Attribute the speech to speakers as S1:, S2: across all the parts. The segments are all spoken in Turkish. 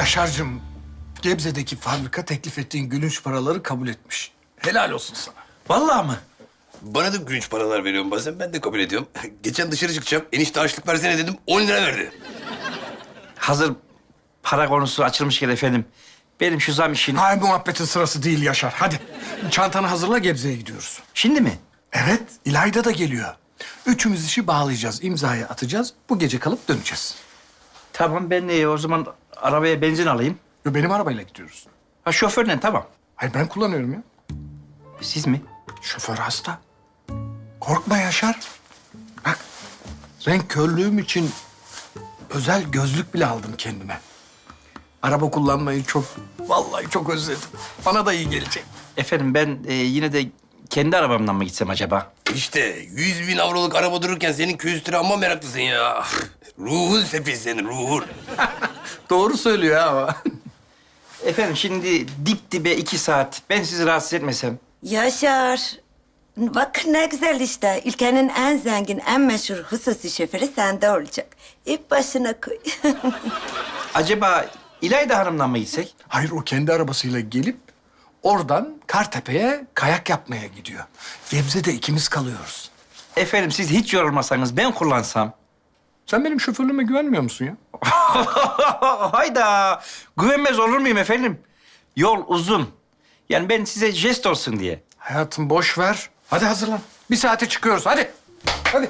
S1: Yaşar'cığım, Gebze'deki fabrika teklif ettiğin gülünç paraları kabul etmiş. Helal olsun sana.
S2: Vallahi mı?
S3: Bana da gülünç paralar veriyorum bazen. Ben de kabul ediyorum. Geçen dışarı çıkacağım. Enişte harçlık versene dedim. 10 lira verdi.
S2: Hazır para konusu açılmışken efendim. Benim şu zam işini...
S1: Hayır, muhabbetin sırası değil Yaşar. Hadi çantanı hazırla, Gebze'ye gidiyoruz.
S2: Şimdi mi?
S1: Evet, İlayda da geliyor. Üçümüz işi bağlayacağız, imzayı atacağız. Bu gece kalıp döneceğiz.
S2: Tamam, ben o zaman arabaya benzin alayım.
S1: Yo, benim arabayla gidiyoruz.
S2: Ha, şoförle tamam.
S1: Hayır, ben kullanıyorum ya.
S2: Siz mi?
S1: Şoför hasta. Korkma Yaşar. Bak, renk körlüğüm için özel gözlük bile aldım kendime. Araba kullanmayı vallahi çok özledim. Bana da iyi gelecek.
S2: Efendim ben yine de kendi arabamdan mı gitsem acaba?
S3: İşte 100.000 avroluk araba dururken senin kültüre amma meraklısın ya. Ruhun sefil senin, ruhun.
S1: Doğru söylüyor ha ama.
S2: Efendim şimdi dip dibe 2 saat. Ben sizi rahatsız etmesem.
S4: Yaşar. Bak ne güzel işte. Ülkenin en zengin, en meşhur hususi şoförü sende olacak. İp başına koy.
S2: Acaba İlayda Hanım'dan mı gitsek?
S1: Hayır, o kendi arabasıyla gelip oradan Kartepe'ye kayak yapmaya gidiyor. Gebze'de ikimiz kalıyoruz.
S2: Efendim siz hiç yorulmasanız ben kullansam.
S1: Sen benim şoförlüğüme güvenmiyor musun ya?
S2: Hayda! Güvenmez olur muyum efendim? Yol uzun. Yani ben size jest olsun diye.
S1: Hayatım boş ver. Hadi hazırlan. 1 saate çıkıyoruz. Hadi. Hadi.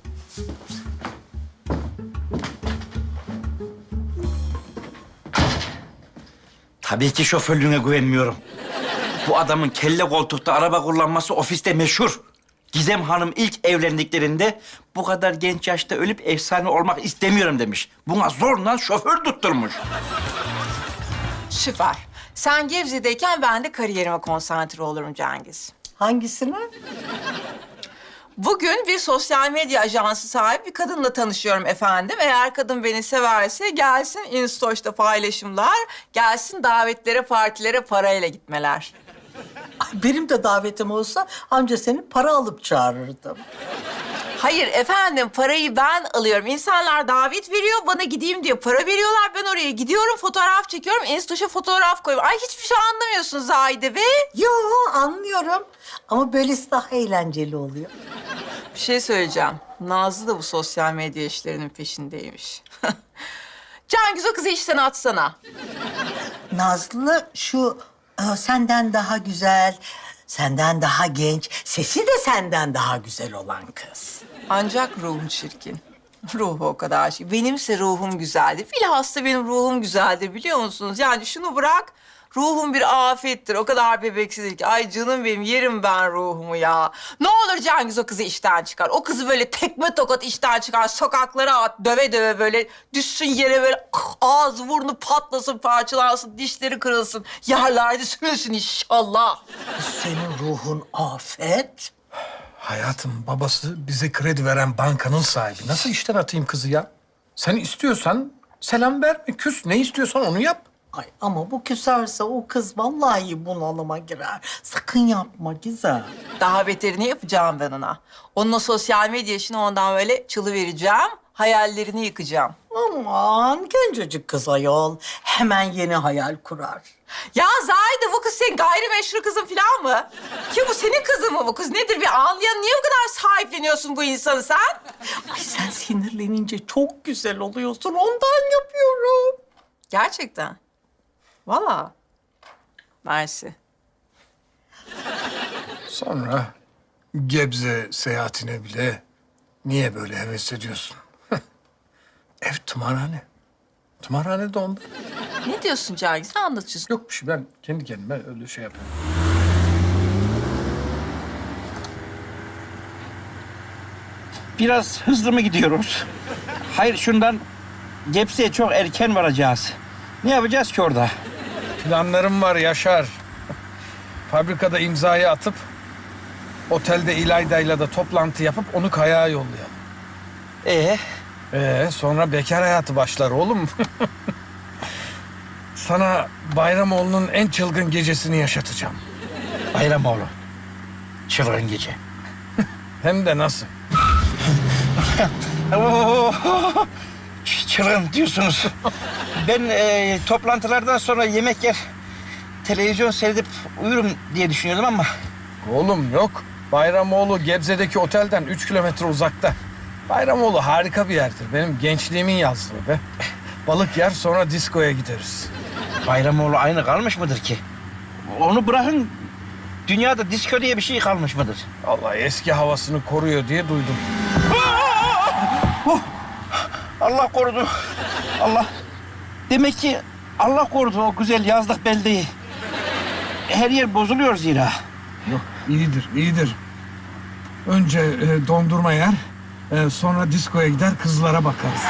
S2: Tabii ki şoförlüğüne güvenmiyorum. Bu adamın kelle koltukta araba kullanması ofiste meşhur. Gizem Hanım ilk evlendiklerinde bu kadar genç yaşta ölüp efsane olmak istemiyorum demiş. Buna zorla şoför tutturmuş.
S5: Süper. Sen Gebze'deyken ben de kariyerime konsantre olurum Cengiz.
S6: Hangisini?
S5: Bugün bir sosyal medya ajansı sahibi bir kadınla tanışıyorum efendim. Eğer kadın beni severse gelsin Instastory'da paylaşımlar, gelsin davetlere, partilere parayla gitmeler.
S6: Ay, benim de davetim olsa anca seni para alıp çağırırdım.
S5: Hayır efendim, parayı ben alıyorum. İnsanlar davet veriyor, bana gideyim diye para veriyorlar. Ben oraya gidiyorum, fotoğraf çekiyorum, Instastory'a fotoğraf koyuyorum. Ay hiçbir şey anlamıyorsun Zahide be.
S6: Yo, anlıyorum. Ama böylesi daha eğlenceli oluyor.
S5: Bir şey söyleyeceğim. Nazlı da bu sosyal medya işlerinin peşindeymiş. Cengiz, o kızı işten atsana.
S6: Nazlı şu senden daha güzel, senden daha genç, sesi de senden daha güzel olan kız.
S5: Ancak ruhu çirkin. Ruhu o kadar şey. Benimse ruhum güzeldir. Bilhassa benim ruhum güzeldir, biliyor musunuz? Yani şunu bırak, ruhum bir afettir. O kadar bebeksizdir ki. Ay canım benim, yerim ben ruhumu ya. Ne olur Cengiz o kızı işten çıkar. O kızı böyle tekme tokat işten çıkar. Sokaklara at, döve döve böyle. Düşsün yere böyle ağzı burnu patlasın, parçalansın, dişleri kırılsın. Yerlerde sürünsün inşallah.
S6: Senin ruhun afet.
S1: Hayatım, babası bize kredi veren bankanın sahibi. Nasıl işten atayım kızı ya? Sen istiyorsan selam verme, küs. Ne istiyorsan onu yap.
S6: Ay ama bu küserse o kız vallahi bunalıma girer. Sakın yapma Gizem.
S5: Daha beterini yapacağım ben ona. Onun o sosyal medya işini ondan böyle çalıvereceğim. Hayallerini yıkacağım.
S6: Aman gencecik kız ayol. Hemen yeni hayal kurar.
S5: Ya Zahide, bu kız senin gayrimeşru kızın falan mı? Ki bu senin kızın mı bu kız? Nedir bir anlayan? Niye bu kadar sahipleniyorsun bu insanı sen?
S6: Ay sen sinirlenince çok güzel oluyorsun. Ondan yapıyorum.
S5: Gerçekten. Vallahi. Mersi.
S1: Sonra Gebze seyahatine bile niye böyle heves ediyorsun? Ev tımarhane. Tımarhane de onda.
S5: Ne diyorsun Cengiz? Ne anlatıyorsun?
S1: Yok bir şey, ben kendi kendime öyle şey yapıyorum.
S2: Biraz hızlı mı gidiyoruz? Hayır, şundan Gebze'ye çok erken varacağız. Ne yapacağız ki orada?
S1: Planlarım var Yaşar. Fabrikada imzayı atıp otelde İlayda'yla da toplantı yapıp onu kayağa yollayalım. Sonra bekar hayatı başlar oğlum. Sana Bayramoğlu'nun en çılgın gecesini yaşatacağım.
S2: Bayramoğlu. Çılgın gece.
S1: Hem de nasıl?
S2: çılgın diyorsunuz. Ben toplantılardan sonra yemek yer, televizyon seyredip uyurum diye düşünüyordum ama...
S1: Oğlum yok. Bayramoğlu Gebze'deki otelden 3 kilometre uzakta. Bayramoğlu harika bir yerdir. Benim gençliğimin yazlığı be. Balık yer sonra diskoya gideriz.
S2: Bayramoğlu aynı kalmış mıdır ki? Onu bırakın, dünyada disko diye bir şey kalmış mıdır?
S1: Vallahi eski havasını koruyor diye duydum.
S2: Allah korudu. Allah. Demek ki Allah korudu o güzel yazlık beldeyi. Her yer bozuluyor zira.
S1: Yok iyidir, iyidir. Önce dondurma yer, sonra diskoya gider kızlara bakarız.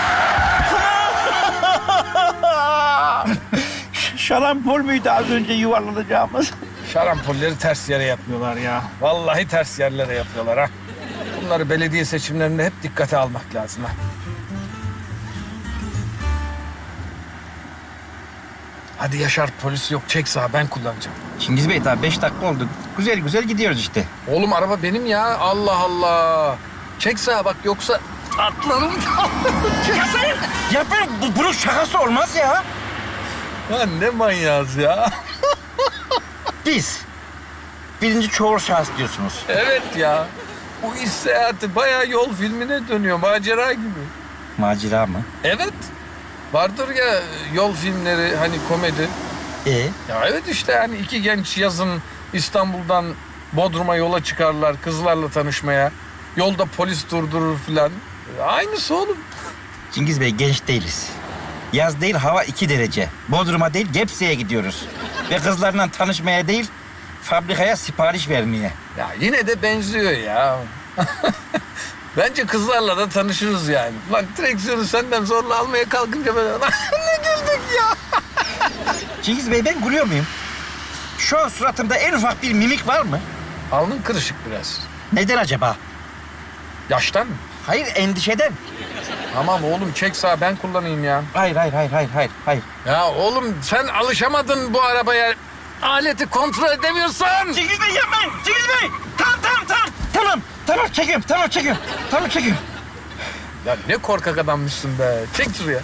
S2: Şarampol müydü az önce yuvarlanacağımız?
S1: Şarampolleri ters yere yapıyorlar ya. Vallahi ters yerlere yapıyorlar ha. Bunları belediye seçimlerinde hep dikkate almak lazım ha. Hadi Yaşar, polis yok, çek sağa, ben kullanacağım.
S2: Çingiz Bey daha 5 dakika oldu. Güzel güzel gidiyoruz işte.
S1: Oğlum araba benim ya, Allah Allah. Çek sağa bak, yoksa atlarım.
S2: Ya bunun şakası olmaz ya.
S1: Lan ne manyağız ya.
S2: Biz birinci çoğul şahıs diyorsunuz.
S1: Evet ya. Bu iş seyahati bayağı yol filmine dönüyor, macera gibi.
S2: Macera mı?
S1: Evet. Vardır ya yol filmleri, hani komedi. Ya evet işte yani iki genç yazın İstanbul'dan Bodrum'a yola çıkarlar kızlarla tanışmaya. Yolda polis durdurur filan. Aynısı oğlum.
S2: Çingiz Bey genç değiliz. Yaz değil hava 2 derece. Bodrum'a değil Gebze'ye gidiyoruz. Ve kızlarla tanışmaya değil fabrikaya sipariş vermeye.
S1: Ya yine de benziyor ya. Bence kızlarla da tanışırız yani. Lan direksiyonu senden zorla almaya kalkınca böyle ne güldük ya.
S2: Çingiz Bey ben gülüyor muyum? Şu an suratımda en ufak bir mimik var mı?
S1: Alnın kırışık biraz.
S2: Neden acaba?
S1: Yaştan mı?
S2: Hayır endişeden.
S1: Tamam oğlum çek sağa, ben kullanayım ya.
S2: Hayır.
S1: Ya oğlum sen alışamadın bu arabaya. Aleti kontrol edemiyorsan.
S2: Çingiz Bey yapmayın. Çingiz Bey. Tamam çekiyorum.
S1: Ya ne korkak adammışsın be. Çek şuraya.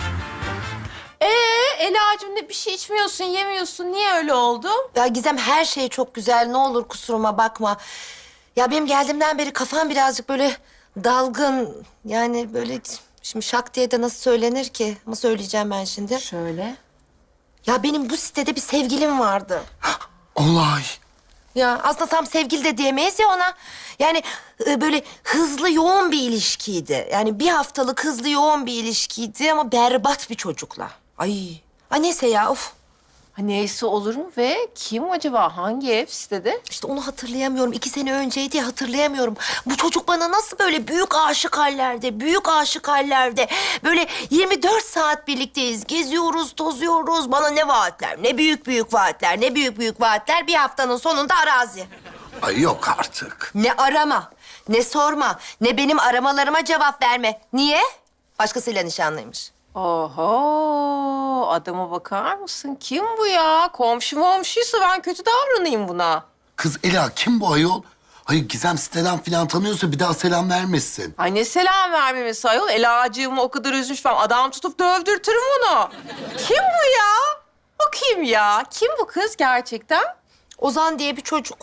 S5: Ela'cığım bir şey içmiyorsun, yemiyorsun. Niye öyle oldu?
S7: Ya Gizem her şey çok güzel. Ne olur kusuruma bakma. Ya benim geldiğimden beri kafam birazcık böyle dalgın. Yani böyle şimdi şak diye de nasıl söylenir ki? Ama söyleyeceğim ben şimdi.
S5: Şöyle.
S7: Ya benim bu sitede bir sevgilim vardı.
S3: Olay.
S7: Ya aslında tam sevgili de diyemeyiz ya ona. Yani böyle hızlı yoğun bir ilişkiydi. Yani bir haftalık hızlı yoğun bir ilişkiydi ama berbat bir çocukla. Ay neyse ya of.
S5: Ha, neyse olur mu ve kim acaba? Hangi ev sitede?
S7: İşte onu hatırlayamıyorum. 2 sene önceydi ya, hatırlayamıyorum. Bu çocuk bana nasıl böyle büyük aşık hallerde. Böyle 24 saat birlikteyiz. Geziyoruz, tozuyoruz. Bana ne vaatler, ne büyük vaatler. Bir haftanın sonunda arazi.
S3: Ay yok artık.
S7: Ne arama, ne sorma, ne benim aramalarıma cevap verme. Niye? Başkasıyla nişanlıymış.
S5: Oho, adama bakar mısın? Kim bu ya? Komşuysa ben kötü davranayım buna.
S3: Kız Ela kim bu ayol? Hayır Gizem siteden falan tanıyorsa bir daha selam vermesin.
S5: Ay ne selam vermemesi ayol. Elacığımı o kadar üzmüş ben. Adam tutup dövdürtürüm onu. Kim bu ya? O kim ya? Kim bu kız gerçekten?
S7: Ozan diye bir çocuk.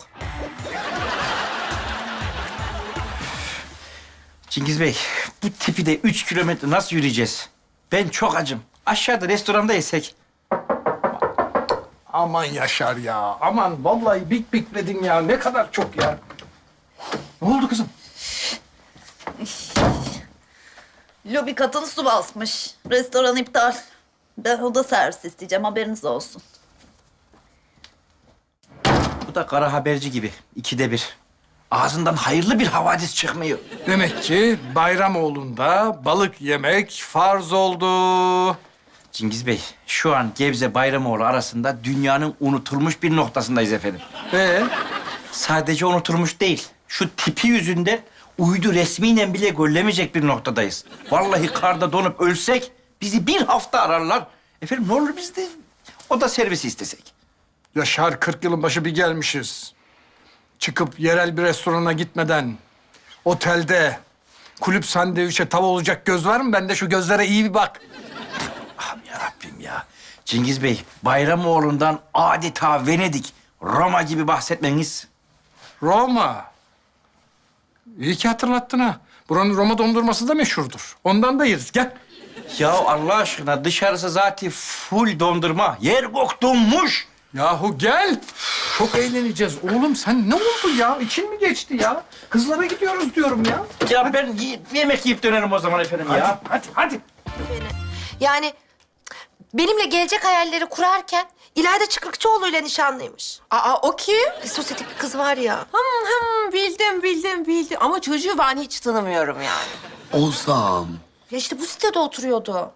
S2: Çingiz Bey bu tipi de 3 kilometre nasıl yürüyeceğiz? Ben çok acım. Aşağıda restoranda yesek.
S1: Aman Yaşar ya. Aman vallahi bikledin ya. Ne kadar çok ya. Ne oldu kızım?
S8: Lobi katını su basmış. Restoran iptal. Ben oda servis isteyeceğim, haberiniz olsun.
S2: Bu da kara haberci gibi. 2'de 1. Ağzından hayırlı bir havadis çıkmıyor.
S1: Demek ki Bayramoğlu'nda balık yemek farz oldu.
S2: Çingiz Bey, şu an Gebze Bayramoğlu arasında dünyanın unutulmuş bir noktasındayız efendim. Sadece unutulmuş değil, şu tipi yüzünden uydu resmiyle bile görülemeyecek bir noktadayız. Vallahi karda donup ölsek bizi bir hafta ararlar. Efendim ne olur biz de oda servisi istesek.
S1: Yaşar 40 yılın başı bir gelmişiz. Çıkıp yerel bir restorana gitmeden otelde kulüp sandviçe tav olacak göz var mı? Ben de şu gözlere iyi bir bak.
S2: yarabbim ya. Cengiz Bey, Bayramoğlu'ndan adeta Venedik, Roma gibi bahsetmeniz.
S1: Roma. İyi ki hatırlattın ha. Buranın Roma dondurması da meşhurdur. Ondan da yeriz. Gel.
S2: Ya Allah aşkına dışarısı zaten full dondurma. Yer gök donmuş.
S1: Yahu gel. Çok eğleneceğiz. Oğlum sen ne oldu ya? İçin mi geçti ya? Kızlara gidiyoruz diyorum ya.
S2: Ya ben yemek yiyip dönerim o zaman efendim ya.
S1: Hadi.
S7: Yani benimle gelecek hayalleri kurarken İlayda Çıkrıkçıoğlu'yla nişanlıymış.
S5: Aa, o kim?
S7: Bir sosyetik bir kız var ya.
S5: Bildim. Ama çocuğu ben hiç tanımıyorum yani.
S9: Ozan.
S7: Ya işte bu sitede oturuyordu.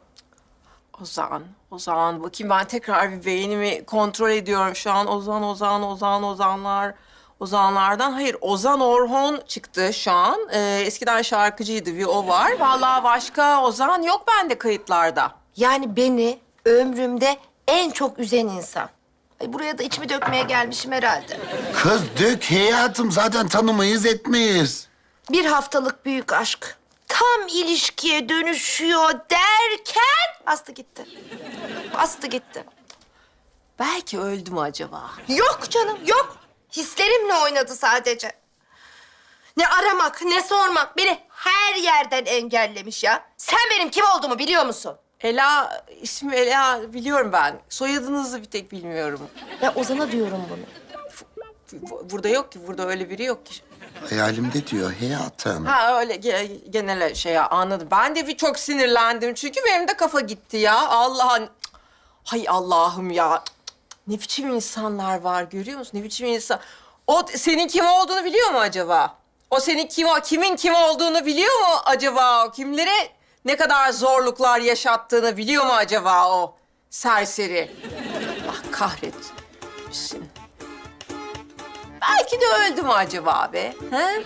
S5: Ozan. Bakayım ben tekrar bir beynimi kontrol ediyorum şu an. Ozanlar. Ozanlardan. Hayır, Ozan Orhon çıktı şu an. Eskiden şarkıcıydı, bir o var. Vallahi başka Ozan yok bende kayıtlarda.
S7: Yani beni ömrümde en çok üzen insan. Ay buraya da içimi dökmeye gelmişim herhalde.
S9: Kız dök hayatım, zaten tanımayız etmeyiz.
S7: Bir haftalık büyük aşk. Tam ilişkiye dönüşüyor derken bastı gitti.
S5: Belki öldü mü acaba?
S7: Yok canım, yok. Hislerimle oynadı sadece. Ne aramak, ne sormak. Beni her yerden engellemiş ya. Sen benim kim olduğumu biliyor musun?
S5: Ela, ismi Ela biliyorum ben. Soyadınızı bir tek bilmiyorum.
S7: Ya Ozan'a diyorum bunu.
S5: Burada yok ki, burada öyle biri yok ki.
S9: Hayalimde diyor hayatım.
S5: Ha öyle genel şey ya, anladım. Ben de bir çok sinirlendim çünkü benim de kafa gitti ya. Hay Allah'ım ya. Ne biçim insanlar var görüyor musun? Ne biçim insan. O senin kim olduğunu biliyor mu acaba? O senin kimin kim olduğunu biliyor mu acaba? Kimlere ne kadar zorluklar yaşattığını biliyor mu acaba o serseri? Allah kahretsin. Belki de öldü mü acaba be? He?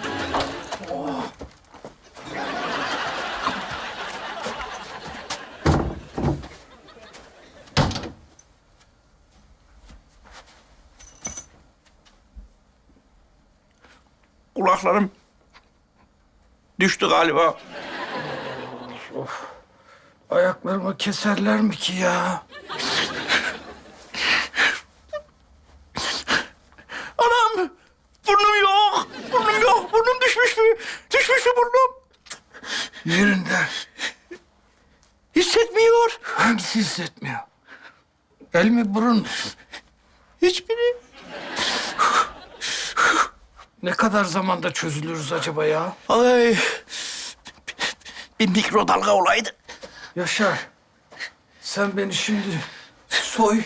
S2: Kulaklarım düştü galiba.
S1: Ayaklarımı keserler mi ki ya?
S2: Anam! Burnum yok! Burnum düşmüş mü? Düşmüş mü burnum?
S1: Yerinde.
S2: Hissetmiyor.
S1: Hangisi hissetmiyor? El mi burun mu?
S2: Hiçbiri.
S1: Ne kadar zamanda çözülürüz acaba ya?
S2: Ay! Bir mikrodalga olaydı.
S1: Yaşar, sen beni şimdi soy.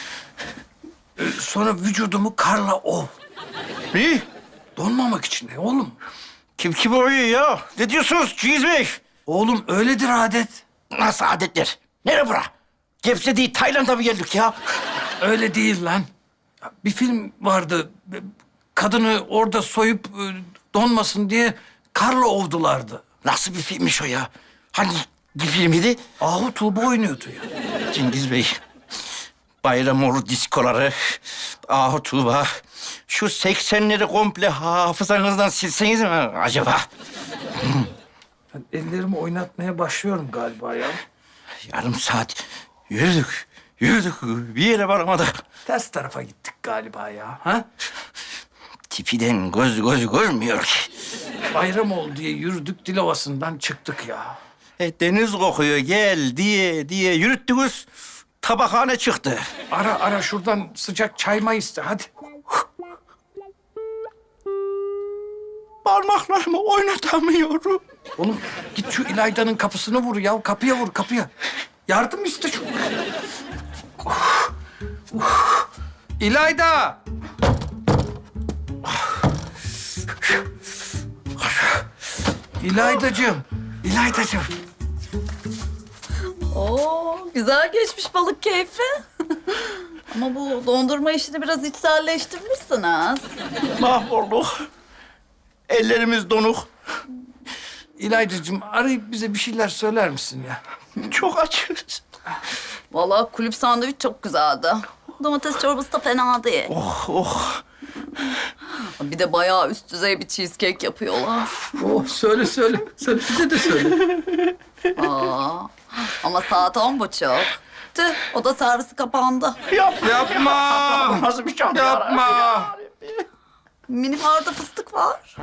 S1: Sonra vücudumu karla ov.
S2: Ne?
S1: Donmamak için ne oğlum?
S2: Kim oynuyor ya? Ne diyorsunuz Cengiz Bey?
S1: Oğlum öyledir adet.
S2: Nasıl adetler? Nere bura? Gebze değil, Tayland'a mı geldik ya?
S1: Öyle değil lan. Ya, bir film vardı. Kadını orada soyup donmasın diye karla ovdulardı.
S2: Nasıl bir filmmiş o ya? Hangi filmiydi?
S1: Ahu Tuğba oynuyordu ya.
S2: Cengiz Bey, Bayramoğlu diskoları, Ahu Tuğba, şu 80'leri komple hafızanızdan silseniz mi acaba?
S1: Ben ellerimi oynatmaya başlıyorum galiba ya.
S2: Yarım saat yürüdük, bir yere varamadık.
S1: Ters tarafa gittik galiba ya. Ha?
S2: Tipiden göz görmüyor ki.
S1: Bayramoğlu diye yürüdük, Dilovası'ndan çıktık ya.
S2: Deniz kokuyor gel diye yürüttünüz. Tabakhane çıktı.
S1: Ara şuradan sıcak çayma iste hadi.
S2: Parmaklarımı oynatamıyorum.
S1: Oğlum git şu İlayda'nın kapısını vur ya. Kapıya vur kapıya. Yardım iste şu. İlayda! İlaydacığım.
S8: Oo, güzel geçmiş balık keyfi. Ama bu dondurma işini biraz içselleştirmişsiniz.
S2: Mahvolduk. Ellerimiz donuk.
S1: İlaydacığım arayıp bize bir şeyler söyler misin ya?
S2: Çok açız.
S8: Vallahi kulüp sandviç çok güzeldi. Domates çorbası da fena değil.
S2: Oh.
S8: Bir de bayağı üst düzey bir cheesecake yapıyorlar.
S1: Oh söyle. Sen bize de söyle.
S8: Aa, ama saat 10.30. Tüh, oda servisi kapandı.
S3: Yapma.
S2: Nasıl bir çanta?
S3: Yapma.
S8: Mini barda fıstık var.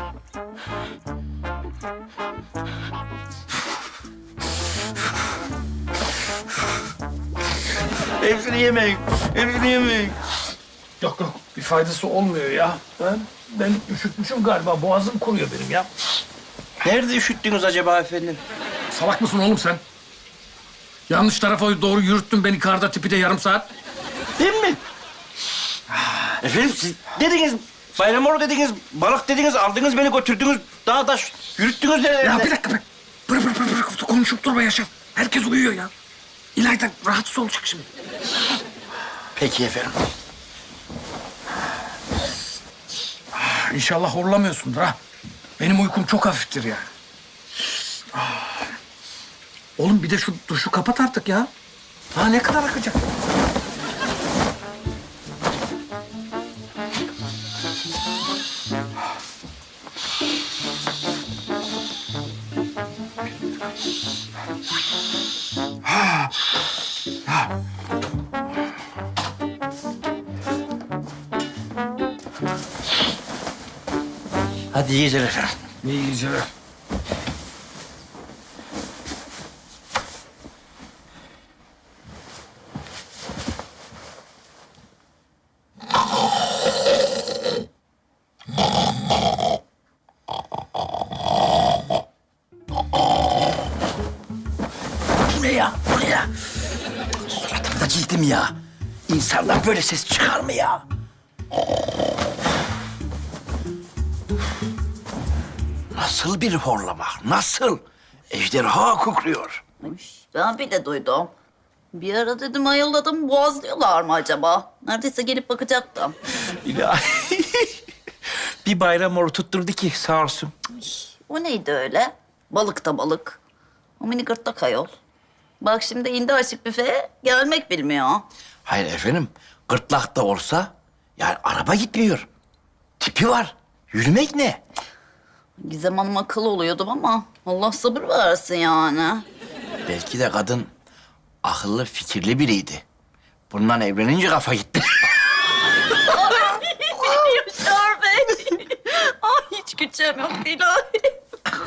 S2: Hepsini yemeyin. Hepsini yemeyin.
S1: Yok yok, bir faydası olmuyor ya. Ben üşütmüşüm galiba, boğazım kuruyor benim ya.
S2: Nerede üşüttünüz acaba efendim?
S1: Salak mısın oğlum sen? Yanlış tarafa doğru yürüttün beni karda tipi de yarım saat.
S2: Değil mi? Efendim siz dediniz, Bayramoğlu dediniz, balık dediniz, aldınız beni götürdünüz, daha da yürüttünüz nerelerde?
S1: Ya bir dakika be. Bırak konuşup durma Yaşar. Herkes uyuyor ya. İlayda rahatsız olacak şimdi.
S2: Peki efendim.
S1: İnşallah horlamıyorsundur ha. Benim uykum çok hafiftir yani. Oğlum bir de şu duşu kapat artık ya. Daha ne kadar akacak?
S2: Hadi iyi geceler efendim.
S1: İyi geceler.
S2: Bu ne ya? Bu ne ya? Suratımda cildim ya. İnsanlar böyle ses çıkar mı ya? Nasıl bir horlamak? Nasıl? Ejderha kukluyor.
S8: Ay, ben bile duydum. Bir ara dedim ayıldadım, boğazlıyorlar mı acaba? Neredeyse gelip bakacaktım.
S2: İlahi. Bir Bayramoğlu tutturdu ki sağ olsun.
S8: O neydi öyle? Balık da balık. O mini gırtlak ayol. Bak şimdi indi açık büfeye, gelmek bilmiyor.
S2: Hayır efendim, gırtlak da olsa yani araba gitmiyor. Tipi var. Yürümek ne?
S8: Gizem Hanım akıl oluyordum ama Allah sabır versin yani.
S2: Belki de kadın akıllı, fikirli biriydi. Bundan evlenince kafa gitti.
S8: Yaşar Bey. Ay hiç gücüm yok ilahi.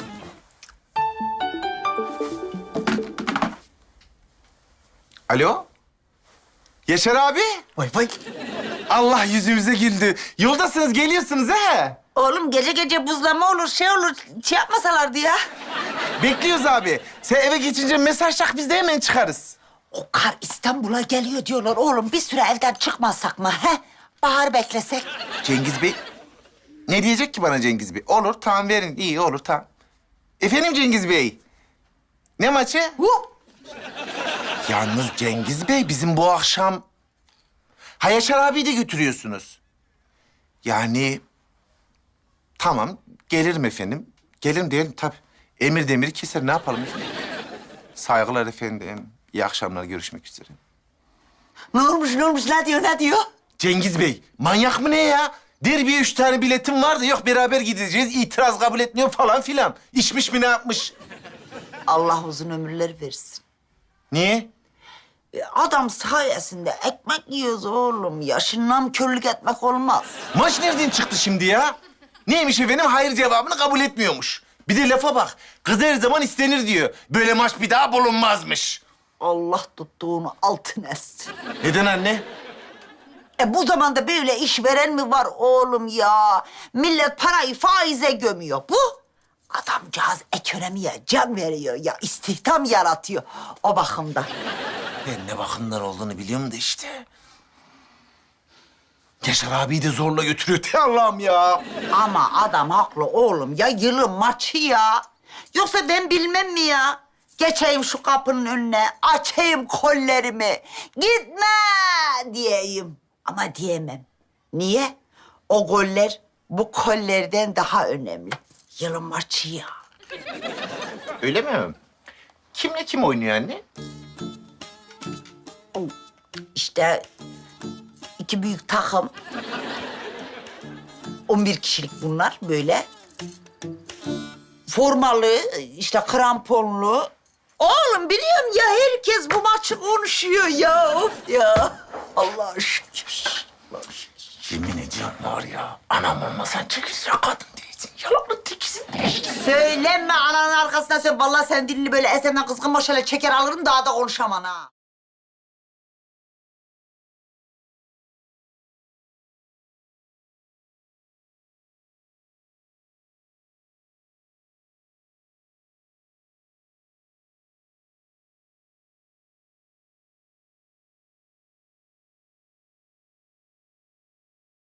S10: Alo? Yaşar abi?
S6: Vay vay.
S10: Allah yüzümüze güldü. Yoldasınız, geliyorsunuz he?
S6: Oğlum gece gece buzlama olur, şey olur. Şey yapmasalardı ya.
S10: Bekliyoruz abi. Sen eve geçince mesaj tak, biz de hemen çıkarız.
S6: O kar İstanbul'a geliyor diyorlar oğlum. Bir süre evden çıkmazsak mı he? Bahar beklesek.
S10: Cengiz Bey... Ne diyecek ki bana Cengiz Bey? Olur, tamam verin. İyi, olur, tamam. Efendim Cengiz Bey? Ne maçı? Yalnız Cengiz Bey, bizim bu akşam... Ha Yaşar abiyi de götürüyorsunuz. Yani... Tamam, gelirim efendim. Gelirim diyelim tabii. Emir demiri keser, ne yapalım efendim? Saygılar efendim. İyi akşamlar, görüşmek üzere.
S6: Ne olmuş, ne diyor?
S10: Cengiz Bey, manyak mı ne ya? Derbiye 3 tane biletim vardı. Yok beraber gideceğiz, itiraz kabul etmiyor falan filan. İçmiş mi ne yapmış?
S6: Allah uzun ömürler versin.
S10: Niye?
S6: Adam sayesinde ekmek yiyoruz oğlum. Yaşından körlük etmek olmaz.
S10: Maç nereden çıktı şimdi ya? Neymiş efendim? Hayır cevabını kabul etmiyormuş. Bir de lafa bak. Kız her zaman istenir diyor. Böyle maç bir daha bulunmazmış.
S6: Allah tuttuğunu altın etsin.
S10: Neden anne?
S6: Bu zamanda böyle işveren mi var oğlum ya? Millet parayı faize gömüyor. Bu adamcağız ekonomiye can veriyor ya. İstihdam yaratıyor o bakımdan.
S10: Ben ne bakımdan olduğunu biliyorum da işte. Yaşar abiyi de zorla götürüyor. Te Allah'ım ya.
S6: Ama adam haklı oğlum ya. Yılın maçı ya. Yoksa ben bilmem mi ya? Geçeyim şu kapının önüne, açayım kollerimi. Gitme diyeyim. Ama diyemem. Niye? O goller bu kollerden daha önemli. Yılın maçı ya.
S10: Öyle mi? Kimle kim oynuyor anne?
S6: İşte iki büyük takım. 11 kişilik bunlar böyle. Formalı, işte kramponlu. Oğlum biliyorum ya, herkes bu maçı konuşuyor ya. Of ya. Allah'a şükür.
S9: Yemin ediyorum var ya, anam olmasan çekilse kadın değilsin. Yalanlı tekisin.
S6: Söyleme ananın arkasına söyle. Vallahi sen dilini böyle esenden kızgın maşayla çeker alırım, daha da konuşamam ha.